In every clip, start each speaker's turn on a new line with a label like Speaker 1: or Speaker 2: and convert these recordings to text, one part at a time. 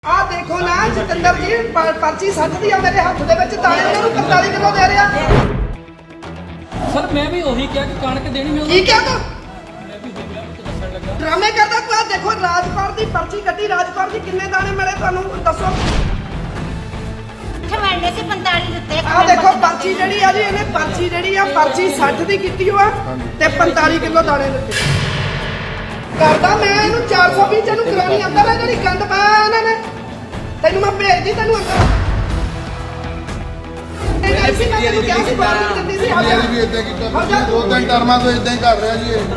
Speaker 1: ਆ ਦੇਖੋ ਨਾ ਜਤਿੰਦਰ ਜੀ ਪਰਚੀ ਸੱਜਦੀ ਆ ਮੇਰੇ ਹੱਥ ਦੇ ਵਿੱਚ ਤਾਂ ਇਹਨਾਂ ਨੂੰ 45 ਕਿਲੋ ਦੇ ਰਿਹਾ।
Speaker 2: ਸਰ ਮੈਂ ਵੀ ਉਹੀ ਕਿਹਾ ਕਿ ਕਣਕ ਦੇਣੀ ਮੈਂ
Speaker 1: ਕੀ ਕਿਹਾ ਤੂੰ
Speaker 2: ਮੈਂ ਵੀ ਉਹੀ ਕਿਹਾ ਕਿ ਦੱਸਣ ਲੱਗਾ
Speaker 1: ਡਰਾਮੇ ਕਰਦਾ ਤੂੰ। ਆ ਦੇਖੋ ਰਾਜਕੌਰ ਦੀ ਪਰਚੀ ਕੱਟੀ, ਰਾਜਕੌਰ ਦੀ ਕਿੰਨੇ ਦਾਣੇ ਮਿਲੇ ਤੁਹਾਨੂੰ ਦੱਸੋ।
Speaker 3: ਮਿਲਦੇ ਸੀ 45 ਦਿੱਤੇ।
Speaker 1: ਆ ਦੇਖੋ ਪਰਚੀ ਜਿਹੜੀ ਆ ਜੀ, ਇਹਨੇ ਪਰਚੀ ਜਿਹੜੀ ਆ ਪਰਚੀ 60 ਦੀ ਕੀਤੀ ਹੋਆ ਤੇ 45 ਕਿਲੋ ਦਾਣੇ ਦਿੱਤੇ। ਕਰਦਾ ਮੈਂ ਇਹਨੂੰ 420 ਚ ਨੂੰ ਕਰਾਉਣੀ ਅੰਦਰ ਆ ਜਿਹੜੀ ਗੰਦ ਪਾਇਆ ਇਹਨਾਂ ਨੇ। ਤੈਨੂੰ ਮੈਂ ਭੇਜਦੀ ਤੈਨੂੰ ਅੰਦਰ। ਐਸੀ ਮੈਂ ਤੈਨੂੰ ਕਿਹਾ ਸੀ ਬਾਹਰ ਨਹੀਂ ਦਿੰਦੀ ਸੀ।
Speaker 4: ਵੀ ਇਦਾਂ ਕੀਤਾ ਦੋ ਤਿੰਨ ਟਰਮਾਂ ਤੋਂ ਇਦਾਂ ਹੀ ਕਰ ਰਿਹਾ ਜੀ ਇਹ।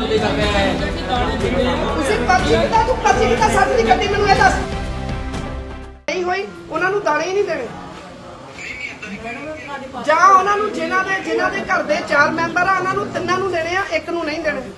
Speaker 1: ਤੁਸੀਂ ਪਰਚੀ ਕਿਤਾ ਤੂੰ ਪਰਚੀ ਕਿਤਾ 60 ਦੀ ਕੱਟੀ ਮੈਨੂੰ ਇਹ ਦੱਸ। ਨਹੀਂ ਹੋਈ ਉਹਨਾਂ ਨੂੰ ਦਾਣੇ ਹੀ ਨਹੀਂ ਦੇਣੇ ਜਾਂ ਉਹਨਾਂ ਨੂੰ ਜਿਨ੍ਹਾਂ ਦੇ ਘਰ ਦੇ 4 ਮੈਂਬਰ ਆ ਉਹਨਾਂ ਨੂੰ ਤਿੰਨਾਂ ਨੂੰ ਦੇਣੇ ਆ, ਇੱਕ ਨੂੰ ਨਹੀਂ ਦੇਣੇ।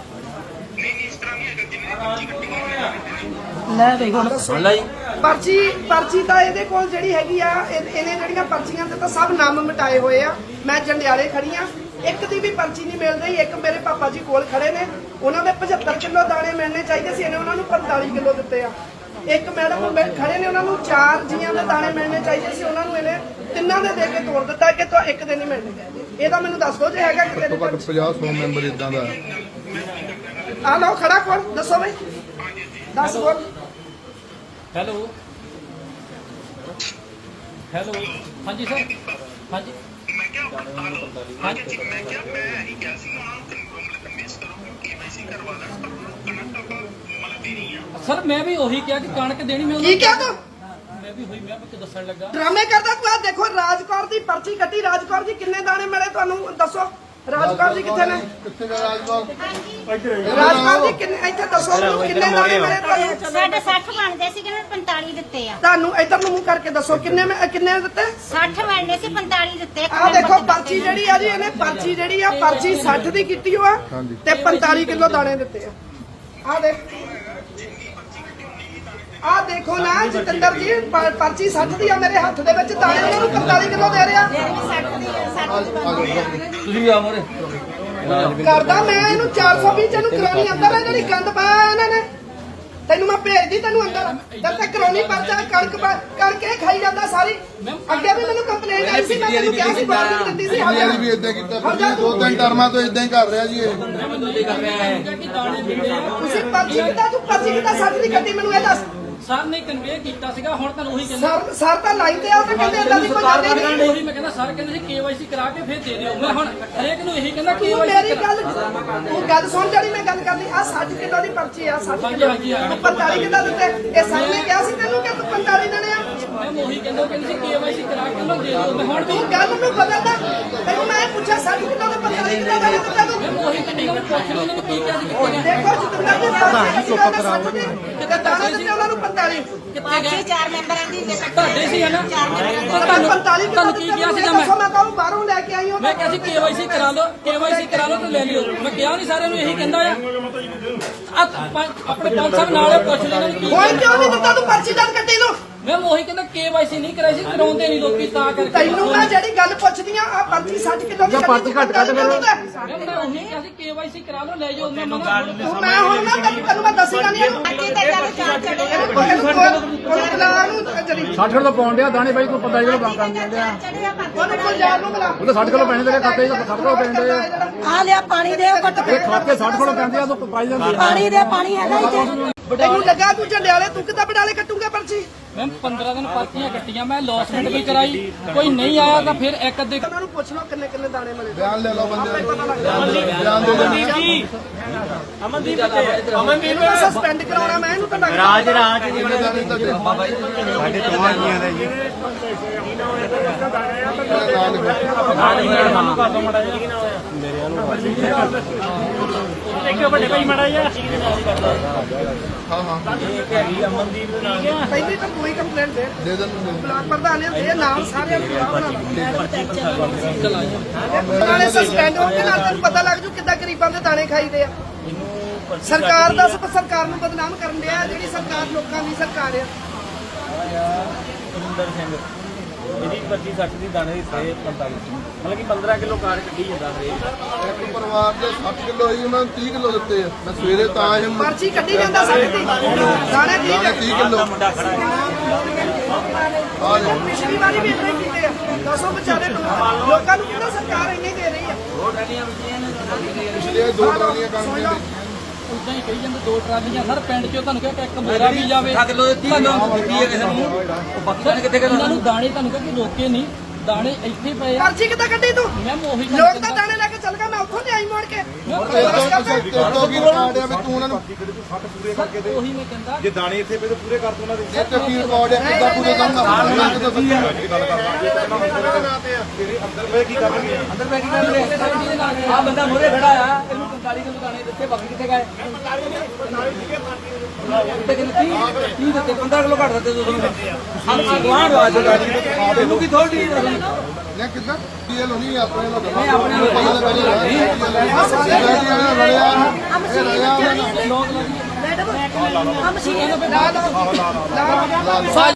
Speaker 2: ਲੈ ਵੇਖ ਹੁਣ ਸੁਣ ਲੈ
Speaker 1: ਪਰਚੀ ਤਾਂ ਇਹਦੇ ਕੋਲ ਜਿਹੜੀ ਹੈਗੀ ਆ, ਇਹਨੇ ਜਿਹੜੀਆਂ ਪਰਚੀਆਂ ਤੇ ਤਾਂ ਸਭ ਨਾਮ ਮਿਟਾਏ ਹੋਏ ਆ। ਮੈਂ ਜੰਡਿਆਲੇ ਖੜੀ ਆ, ਇੱਕ ਦੀ ਵੀ ਪਰਚੀ ਨਹੀਂ ਮਿਲ ਰਹੀ। ਇੱਕ ਮੇਰੇ ਪਾਪਾ ਜੀ ਕੋਲ ਖੜੇ ਨੇ, ਉਹਨਾਂ ਦੇ 75 ਕਿਲੋ ਦਾਣੇ ਮਿਲਣੇ ਚਾਹੀਦੇ ਸੀ, ਇਹਨੇ ਉਹਨਾਂ ਨੂੰ 45 ਕਿਲੋ ਦਿੱਤੇ ਆ। ਇੱਕ ਮੈਡਮ ਖੜੇ ਨੇ, ਉਹਨਾਂ ਨੂੰ 4 ਜੀਆਂ ਦੇ ਦਾਣੇ ਮਿਲਣੇ ਚਾਹੀਦੇ ਸੀ, ਉਹਨਾਂ ਨੂੰ ਇਹਨੇ ਤਿੰਨਾਂ ਦੇ ਦੇ ਕੇ ਤੋੜ ਦਿੱਤਾ ਕਿ ਤੂੰ ਇੱਕ ਦੇ ਨਹੀਂ ਮਿਲਣੇ। ਇਹਦਾ ਮੈਨੂੰ ਦੱਸ ਦਿਓ ਜੇ ਹੈਗਾ ਕਿਤੇ।
Speaker 4: ਘੱਟੋ ਘੱਟ 50-100 ਮੈਂਬਰ ਇਦਾਂ ਦਾ
Speaker 1: ਆ ਲਓ ਖੜਾ ਕੋਲ ਦੱਸੋ ਬਈ, ਦੱਸ ਕੋਲ।
Speaker 2: ਹੈਲੋ ਹੈਲੋ ਹਾਂਜੀ ਸਰ ਹਾਂਜੀ ਸਰ ਮੈਂ ਵੀ ਉਹੀ ਕਿਹਾ ਕਿ ਕਣਕ ਦੇਣੀ ਮੈਂ
Speaker 1: ਕੀ ਕਿਹਾ ਤੂੰ
Speaker 2: ਮੈਂ ਵੀ ਉਹੀ ਮੈਂ ਕਿ ਦੱਸਣ ਲੱਗਾ
Speaker 1: ਡਰਾਮੇ ਕਰਦਾ ਤੂੰ। ਆ ਦੇਖੋ ਰਾਜਕੌਰ ਦੀ ਪਰਚੀ ਕੱਟੀ, ਰਾਜਕੌਰ ਦੀ ਕਿੰਨੇ ਦਾਣੇ ਮਿਲੇ ਤੁਹਾਨੂੰ ਦੱਸੋ। ਰਾਜਕੌਰ ਦੀ ਕਿੱਥੇ ਨੇ?
Speaker 4: ਕਿੱਥੇ ਦਾ ਰਾਜਕੌਰ
Speaker 1: ਰਾਜਕੌਰ ਦੀ ਕਿੰਨੇ ਇੱਥੇ ਦੱਸੋ ਕਿੰਨੇ ਦਾਣੇ ਮਿਲੇ ਤੁਹਾਨੂੰ।
Speaker 3: ਸਾਡੇ 60 ਬਣਦੇ ਸੀ ਕਿ 45 ਦਿੱਤੇ ਆ।
Speaker 1: ਤੁਹਾਨੂੰ ਇੱਧਰ ਨੂੰ ਮੂੰਹ ਕਰਕੇ ਦੱਸੋ ਕਿੰਨੇ ਕਿੰਨੇ ਦਿੱਤੇ।
Speaker 3: 60 ਮਿਲਦੇ ਸੀ 45 ਦਿੱਤੇ।
Speaker 1: ਆ ਦੇਖੋ ਪਰਚੀ ਜਿਹੜੀ ਆ ਜੀ, ਇਹਨੇ ਪਰਚੀ ਜਿਹੜੀ ਆ ਪਰਚੀ 60 ਦੀ ਕੀਤੀ ਹੋਆ ਤੇ 45 ਕਿਲੋ ਦਾਣੇ ਦਿੱਤੇ ਆ। ਆ ਦੇਖ ਆ ਦੇਖੋ ਨਾ ਜਤਿੰਦਰ ਜੀ ਪਰਚੀ 60 ਦੀ ਆ ਮੇਰੇ ਹੱਥ ਦੇ ਵਿੱਚ ਤਾਂ ਇਹਨਾਂ ਨੂੰ 45 ਕਿਲੋ ਦੇ ਰਿਹਾ।
Speaker 2: ਤੁਸੀਂ ਵੀ ਆ ਮੋਰੇ
Speaker 1: ਕਰਦਾ ਮੈਂ ਇਹਨੂੰ 420 ਚ ਨੂੰ ਕਰਾਉਣੀ ਅੰਦਰ ਆ ਜਿਹੜੀ ਗੰਦ ਪਾਇਆ ਇਹਨਾਂ ਨੇ। ਤੈਨੂੰ ਮੈਂ ਭੇਜਦੀ ਤੈਨੂੰ ਅੰਦਰ ਜਦ ਤੱਕ ਕਰਾਉਣੀ ਪਰਚਾ ਕਰਕੇ ਖਾਈ ਜਾਂਦਾ ਸਾਰੀ। ਅੱਗੇ ਵੀ ਮੈਨੂੰ ਕੰਪਲੇਂਟ ਆਈ ਸੀ, ਮੈਂ ਤੈਨੂੰ ਕਿਹਾ ਸੀ ਬਾਹਰ ਨਹੀਂ ਦਿੰਦੀ ਸੀ।
Speaker 4: ਵੀ ਇਦਾਂ ਕੀਤਾ ਦੋ ਤਿੰਨ ਟਰਮਾਂ ਤੋਂ ਇਦਾਂ ਹੀ ਕਰ ਰਿਹਾ ਜੀ ਇਹ।
Speaker 1: ਤੁਸੀਂ ਪਰਚੀ ਕਿਤਾ ਤੂੰ ਪਰਚੀ ਕਿਤਾ 60 ਦੀ ਕੱਟੀ ਮੈਨੂੰ ਇਹ ਦੱਸ।
Speaker 2: ਸਰ ਨੇ ਕਨਵੇ ਕੀਤਾ ਸੀਗਾ, ਹੁਣ ਤੁਹਾਨੂੰ ਉਹੀ ਕਹਿੰਦਾ
Speaker 1: ਸਰ ਤਾਂ ਲਾਈਨ ਤੇ ਆ ਤੇ ਕਹਿੰਦੇ ਇਦਾਂ ਦੀ ਕੋਈ ਗੱਲ ਨਹੀਂ।
Speaker 2: ਉਹੀ ਮੈਂ ਕਹਿੰਦਾ ਸਰ ਕਹਿੰਦੇ ਸੀ KYC ਕਰਾ ਕੇ ਫਿਰ ਦੇ ਦਿਓ। ਮੈਂ ਹੁਣ ਹਰੇਕ ਨੂੰ ਇਹੀ ਕਹਿੰਦਾ
Speaker 1: ਤੂੰ
Speaker 2: KYC
Speaker 1: ਮੇਰੀ ਗੱਲ ਸੁਣ ਜਿਹੜੀ ਮੈਂ ਗੱਲ ਕਰਦੀ ਆ। 60 ਕਿਲੋ ਦੀ ਪਰਚੀ ਆ, 60 ਕਿਲੋ ਤੂੰ 45 ਕਿਲੋ ਦਿੱਤੇ। ਇਹ ਸਰ ਨੇ ਕਿਹਾ ਸੀ ਤੈਨੂੰ ਕਿ ਤੂੰ 45 ਦੇਣੇ ਆ।
Speaker 2: ਮੈਂ ਉਹੀ ਕਹਿੰਦਾ ਕਹਿੰਦੇ ਸੀ KYC ਕਰਾ ਕੇ ਉਹਨੂੰ ਦੇ ਦਿਓ। ਮੈਂ ਹੁਣ
Speaker 1: ਤੂੰ ਗੱਲ ਨੂੰ ਬਦਲਦਾ। ਤੈਨੂੰ ਮੈਂ ਪੁੱਛਿਆ 60 ਕਿਲੋ ਦੇ 45 ਕਿਲੋ ਦਾ ਦਿੱਤਾ ਤੂੰ।
Speaker 2: ਮੈਂ ਉਹੀ ਕਹਿੰਦਾ ਉਹਨੂੰ ਪੁੱਛ ਲਓ ਉਹਨੂੰ ਕੀ ਕਿਹਾ ਸੀ ਕਿੱਥੇ ਗਿਆ
Speaker 1: ਦੇਖੋ ਜਤਿੰਦਰ ਜੀ ਪਰਚੀ ਚੁੱਪ ਕਰਾ ਲਓ ਕਿਤੇ ਦਾਣੇ ਦਿੱਤੇ ਉਹਨਾਂ ਨੂੰ 45
Speaker 2: ਕਿੱਥੇ ਗਿਆ
Speaker 3: 4 ਮੈਂਬਰਾਂ ਦੀ
Speaker 2: ਤੁਹਾਡੇ ਸੀ ਹੈ ਨਾ
Speaker 1: ਤੁਹਾਨੂੰ 45 ਕਿਲੋ
Speaker 2: ਤੁਹਾਨੂੰ ਕੀ ਕਿਹਾ ਸੀਗਾ ਮੈਂ
Speaker 1: ਮੈਂ ਕਹੂੰ ਬਾਹਰੋਂ ਲੈ ਕੇ ਆਈ ਹਾਂ।
Speaker 2: ਮੈਂ ਕਿਹਾ ਸੀ KYC ਕਰਾ ਲਓ ਤੇ ਲੈ ਲਿਓ। ਮੈਂ ਕਿਹਾ ਨਹੀਂ ਸਾਰਿਆਂ ਨੂੰ ਇਹੀ ਕਹਿੰਦਾ ਆ ਆਪਣੇ ਪੰਜ ਸਾਹਿਬ ਨਾਲ ਪੁੱਛ ਲੈਣਾ ਕੀ
Speaker 1: ਕੋਈ ਕਿਉਂ ਨਹੀਂ ਦਿੱਤਾ ਤੂੰ ਪਰਚੀ ਦਰਜ ਕੱਟੀ ਨੂੰ।
Speaker 2: ਮੈਂ ਉਹੀ ਕਹਿੰਦਾ KYC ਨਹੀਂ ਕਰਾਈ ਸੀ, ਕਰਾਉਂਦੇ ਨਹੀਂ ਲੋਕੀ ਤਾਂ ਕਰਕੇ।
Speaker 1: ਤੈਨੂੰ ਮੈਂ ਜਿਹੜੀ ਗੱਲ ਪੁੱਛਦੀ ਆ ਪਰਚੀ 60 ਕਿਲੋ ਦੀ ਪਰਚੀ ਘੱਟ ਕੱਢ ਫਿਰ।
Speaker 2: ਮੈਂ ਉਹੀ ਕਿਹਾ ਸੀ KYC ਕਰਾ ਲਓ ਲੈ ਜਾਓ। ਮੈਂ
Speaker 1: ਮੈਂ ਹੁਣ ਨਾ ਤੈਨੂੰ ਮੈਂ ਦੱਸੂਗਾ ਨਹੀਂ ਇਹਨੂੰ।
Speaker 3: ਅੱਜ ਤੇ ਚੱਲ 4 ਚੜੇ
Speaker 1: ਜਿਹੜੀ
Speaker 5: 60 ਕਿਲੋ ਪਾਉਣ ਡਿਆ ਦਾਣੇ ਬਾਈ ਤੂੰ 45 ਕਿਲੋ ਕੰਮ ਕਰਨ ਦਿੰਦੇ ਆ।
Speaker 1: ਉਹਨੂੰ ਕੋਈ ਯਾਰ ਨੂੰ ਮਿਲਾ।
Speaker 5: ਉਹਦੇ 60 ਕਿਲੋ ਪੈਣੇ ਤੇਰੇ ਖਾਤੇ 'ਚ 60 ਕਿਲੋ ਪੈਣੇ ਆ।
Speaker 3: ਆ ਲਿਆ ਪਾਣੀ ਦੇ ਘੁੱਟ
Speaker 5: ਇਹ ਖਾਤੇ 60 ਕਿਲੋ ਪੈਂਦੇ ਆ ਤੂੰ ਪਾਈ ਜਾਂਦੀ ਆ।
Speaker 3: ਪਾਣੀ ਦੇ ਪਾਣੀ ਹੈਗਾ ਇੱਥੇ।
Speaker 1: ਤੈਨੂੰ ਲੱਗਾ ਤੂੰ ਝੰਡਿਆਲੇ ਤੂੰ ਕਿੱਦਾਂ ਬਡਾਲੇ ਕੱਟੂਗਾ ਪਰਚੀ।
Speaker 2: ਮੈਂ 15 ਦਿਨ ਪਰਚੀਆਂ ਕੱਟੀਆਂ, ਮੈਂ ਲੌਸਮੈਂਟ ਵੀ ਕਰਾਈ, ਕੋਈ ਨਹੀਂ ਆਇਆ ਤਾਂ ਫਿਰ ਇੱਕ ਅੱਧੇ
Speaker 1: ਉਹਨਾਂ ਨੂੰ ਪੁੱਛ ਲਓ ਕਿੰਨੇ ਕਿੰਨੇ ਦਾਣੇ ਮਿਲੇ।
Speaker 4: ਬਿਆਨ ਲੈ ਲਓ ਬੰਦੇ
Speaker 1: ਪਤਾ ਲੱਗ
Speaker 4: ਬਿਆਨ ਦੇ
Speaker 2: ਅਮਨਦੀਪ
Speaker 1: ਇਹਨੂੰ ਸਸਪੈਂਡ ਕਰਾਉਣਾ ਮੈਂ ਇਹਨੂੰ ਤਾਂ
Speaker 4: ਕਿੰਨੇ ਦਾਣੇ ਤੁਹਾਡੇ
Speaker 6: ਸਾਡੇ ਤੁਹਾਡੀਆਂ ਦਾ ਜੀ
Speaker 2: ਵੱਡੇ ਭਾਈ ਮੜਾ ਜਾ
Speaker 4: ਹਾਂ ਹਾਂ
Speaker 1: ਪਹਿਲੀ ਤਾਂ ਕੋਈ ਕੰਪਲੇਂਟ ਦੇ
Speaker 4: ਦੇ ਦਿੰਦੇ
Speaker 1: ਬਲਾਕ ਪ੍ਰਧਾਨ ਨੇ ਦੇ ਨਾਮ ਸਾਰਿਆਂ ਨੂੰ ਨਾਲੇ ਸਸਪੈਂਡ ਹੋ ਕੇ ਨਾਲ ਤੈਨੂੰ ਪਤਾ ਲੱਗ ਜੂ ਕਿੱਦਾਂ ਗਰੀਬਾਂ ਦੇ ਦਾਣੇ ਖਾਈਦੇ ਆ। ਸਰਕਾਰ ਦਾ ਸਰਕਾਰ ਨੂੰ ਬਦਨਾਮ ਕਰਨ ਡਿਆ, ਜਿਹੜੀ ਸਰਕਾਰ ਲੋਕਾਂ ਦੀ ਸਰਕਾਰ ਆ।
Speaker 7: ਇਹਦੀ 25 60 ਦੀ ਦਾਣੇ ਦੀ ਸੇ 45 ਮਤਲਬ ਕਿ 15 ਕਿਲੋ ਕਾਰ ਕੱਢੀ ਜਾਂਦਾ ਹਰੇਕ
Speaker 4: ਇੱਕ ਪਰਿਵਾਰ ਦੇ 60 ਕਿਲੋ ਹੀ ਉਹਨਾਂ ਨੂੰ 30 ਕਿਲੋ ਦਿੱਤੇ ਆ ਮੈਂ ਸਵੇਰੇ ਤਾਂ ਆਇਆ ਨੂੰ
Speaker 1: ਪਰਚੀ ਕੱਢੀ ਜਾਂਦਾ ਸਾਡੇ ਦੀ ਦਾਣੇ ਠੀਕ
Speaker 4: ਦਾਣੇ
Speaker 1: ਹੈ
Speaker 4: 30 ਕਿਲੋ
Speaker 7: ਮੁੰਡਾ ਖੜਾ ਹੈ
Speaker 4: ਆ ਜਾਓ
Speaker 1: ਪਿਛਲੀ ਵਾਰੀ ਵੀ ਇਦਾਂ ਹੀ ਕੀਤੇ ਆ ਦੱਸੋ ਵਿਚਾਰੇ ਲੋਕਾਂ ਨੂੰ ਕਿਹੜਾ ਸਰਕਾਰ ਇੰਨੇ ਦੇ ਰਹੀ ਆ
Speaker 4: ਪਿਛਲੇ 2 ਟਰਾਲੀਆਂ ਕੰਮ ਦੇ
Speaker 2: ਉਦਾਂ ਹੀ ਕਹੀ ਜਾਂਦੇ 2 ਟਰਾਲੀਆਂ ਸਰ ਪਿੰਡ 'ਚੋਂ ਤੁਹਾਨੂੰ ਕਿਹਾ ਇੱਕ ਮੇਰਾ ਵੀ ਜਾਵੇ
Speaker 7: ਕਿਲੋ 30 ਕਿਲੋ ਦਿੱਤੀ ਹੈ ਕਿਸੇ ਨੂੰ ਬਾਕੀ ਦਾਣੇ ਕਿੱਥੇ ਗਏ
Speaker 2: ਇਹਨਾਂ ਨੂੰ ਦਾਣੇ ਤੁਹਾਨੂੰ ਕਿਹਾ ਕਿ ਰੋਕੇ ਨਹੀਂ ਦਾਣੇ ਇੱਥੇ ਪਏ ਆ
Speaker 1: ਪਰਚੀ ਕਿੱਦਾਂ ਕੱਢੀ ਤੂੰ
Speaker 2: ਮੈਂ ਉਹੀ ਗੱਲ
Speaker 1: ਲੋਕ ਤਾਂ ਦਾਣੇ ਲੈ ਕੇ ਚੱਲ ਗਏ ਮੈਂ ਉੱਥੋਂ ਲਿਆਈ ਮੋੜ ਕੇ
Speaker 4: ਤੋਂ ਕੀ ਰਿਕਾਰਡ ਆ ਵੀ ਤੂੰ ਉਹਨਾਂ ਨੂੰ
Speaker 2: ਉਹੀ ਮੈਂ ਕਹਿੰਦਾ
Speaker 6: ਜੇ ਦਾਣੇ ਇੱਥੇ ਪਏ ਤਾਂ ਪੂਰੇ ਕਰ ਦੋ ਉਹਨਾਂ ਦੇ
Speaker 4: ਇਹ ਤੇ ਕੀ ਰਿਕਾਰਡ ਆ ਕਿੱਦਾਂ ਪੂਰੇ ਕਰਨਾ ਉਹਨਾਂ ਕਿੱਦਾਂ ਸੱਚੀ
Speaker 6: ਅੰਦਰ ਪਏ ਕੀ ਕਰਨਗੇ
Speaker 7: ਅੰਦਰ ਬੈ ਕੀ ਕਰਨਗੇ ਆ ਬੰਦਾ ਮੋਰੇ ਖੜਾ ਆ ਇਹਨੂੰ 45 ਕਿਲੋ ਦਾਣੇ ਦਿੱਤੇ ਬਾਕੀ ਕਿੱਥੇ ਗਏ ਤੇ ਕਿੰਨੇ 30 ਦਿੱਤੇ 15 ਕਿਲੋ ਘੱਟ ਦਿੱਤੇ ਤੁਸੀਂ ਹਾਂ ਗਵਾਂਢ ਵਾਜ ਇਹਨੂੰ ਕੀ ਥੋੜੀ
Speaker 4: ਨੇ ਕਿੱਦਾਂ ਡੀਐਲ ਹੋਣੀ ਆਪਣੇ ਨਾਲ
Speaker 7: ਨਹੀਂ ਆਪਣੇ ਨਾਲ
Speaker 4: ਲੜਿਆ
Speaker 3: ਆ ਮਸ਼ੀਨ ਆ ਮਸ਼ੀਨ